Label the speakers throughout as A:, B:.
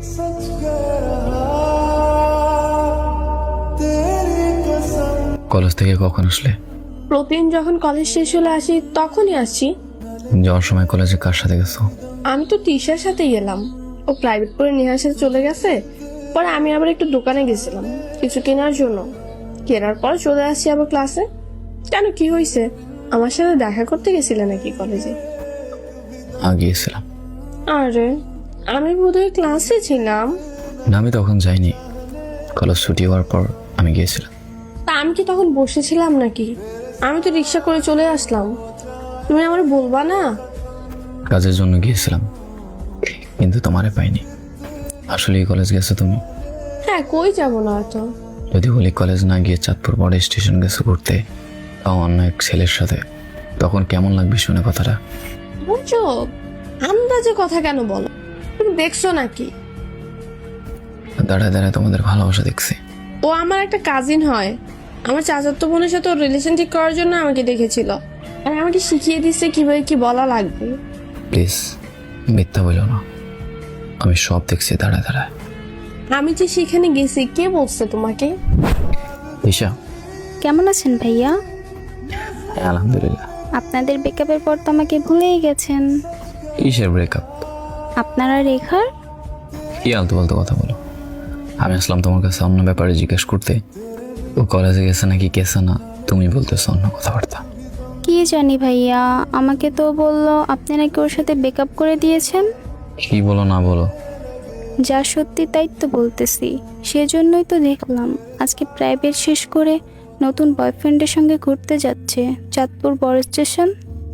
A: College থেকে কখন আসলে?
B: প্রতিদিন যখন কলেজ শেষ হলে আসি তখনই আসছি।
A: যাওয়ার সময় কলেজে কার সাথে গেছো?
B: আমি তো টিশার সাথে গেলাম, ও প্রাইভেট করে নেহার সাথে চলে গেছে। পরে আমি আবার একটু দোকানে গেছিলাম কিছু কেনার জন্য, কেনার পর চলে আসছি আবার ক্লাসে। কেন, কি হয়েছে? আমার সাথে দেখা করতে গেছিলে নাকি কলেজে?
A: গিয়েছিলাম।
B: আরে আমি বোধহয় ক্লাসে ছিলাম।
A: না, আমি তখন যাইনি। কলেজ ছুটি হওয়ার পর আমি গিয়েছিলাম।
B: তা আমি কি তখন বসেছিলাম নাকি? আমি তো রিক্সা করে চলে আসলাম, তুমি আমার বলবা না?
A: কাজের জন্য গিয়েছিলাম, কিন্তু তোমারে পাইনি। আসলে কলেজ গেছো তুমি?
B: হ্যাঁ, কই যাবো না তো।
A: যদি বলি কলেজ না গিয়ে চাঁদপুর বড় স্টেশন গেছো ঘুরতে, তাও অন্য এক ছেলের সাথে, তখন কেমন লাগবে শুনে কথাটা?
B: বুঝছো, আন্দাজে কথা কেন বলো? তুমি দেখছো নাকি?
A: দাঁড়ায় দাঁড়ায় তোমাদের ভালোবাসা দেখছি।
B: ও আমার একটা কাজিন হয়, আমার চাচাতো বোনের সাথে ওর রিলেশন ঠিক করার জন্য আমাকে দেখেছিল, আর আমাকে শিখিয়ে দিচ্ছে কিভাবে কি বলা লাগবে।
A: প্লিজ মিথ্যা বলো না, আমি সব দেখছি দাঁড়ায় দাঁড়ায়।
B: আমি যে সেখানে গেছি, কে বলছে তোমাকে?
A: ঈশা,
C: কেমন আছেন ভাইয়া?
A: হ্যাঁ আলহামদুলিল্লাহ।
C: আপনাদের ব্রেকআপের পর তো আমাকে ভুলেই গেছেন।
A: কিসের ব্রেকআপ?
C: আপনারা রেখার?
A: কি আলতু ফালতু কথা বলো। আমি আসলাম তোমার কাছে অন্য ব্যাপারে জিজ্ঞেস করতে, ও কলেজে গেছে নাকি গেছে না তুমি বলতেছো অন্য কথাবার্তা।
C: কি জানি ভাইয়া, আমাকে তো বললো আপনি নাকি ওর সাথে ব্রেকআপ করে দিয়েছেন।
A: কি বলো না বলো।
C: যা সত্যি তাই তো বলতেছি, সেজন্যই তো দেখলাম আজকে প্রাইভেট শেষ করে নতুন বয়ফ্রেন্ডের সঙ্গে ঘুরতে যাচ্ছে চাঁদপুর বড় স্টেশন।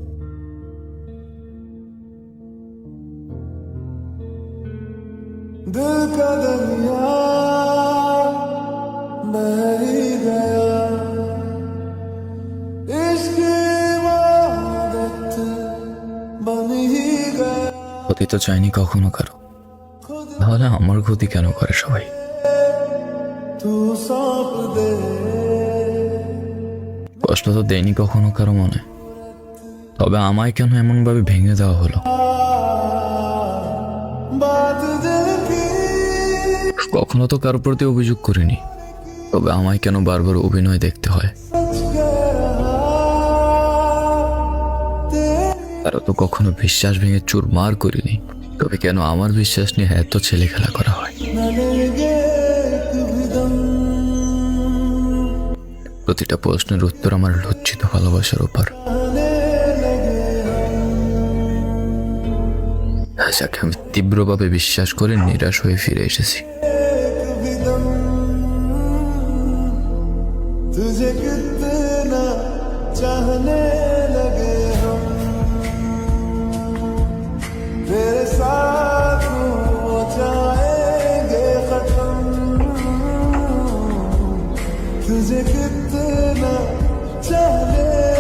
D: दिल का दरिया बह ही गया, इश्क इबादत बन ही गया।
A: ক্ষতি তো চাইনি কখনো কারো, তাহলে আমার ক্ষতি কেন করে সবাই?
D: तू सौंप दे
A: কষ্ট তো দেয়নি কখনো কারো মনে, তবে আমায় কেন এমন ভাবে ভেঙে দেওয়া হলো?
D: बात दिल की,
A: কখনো তো কারোর প্রতি অভিযোগ করিনি, তবে আমায় কেন বারবার অভিনয় দেখতে হয়? তারা তো কখনো বিশ্বাস ভেঙে চুরমার করিনি, তবে কেন আমার বিশ্বাস নিয়ে এত ছেলে খেলা করা হয়?
D: न लेंगे एक भी दम,
A: প্রতিটা প্রশ্নের উত্তর আমার লজ্জিত ভালোবাসার উপর। যাকে আমি তীব্রভাবে বিশ্বাস করে নিরাশ হয়ে ফিরে এসেছি।
D: एक भी दम। तुझे कितना चाहने लगे हम, तेरे साथ हो जाएंगे खत्म। तुझे कितना चाहने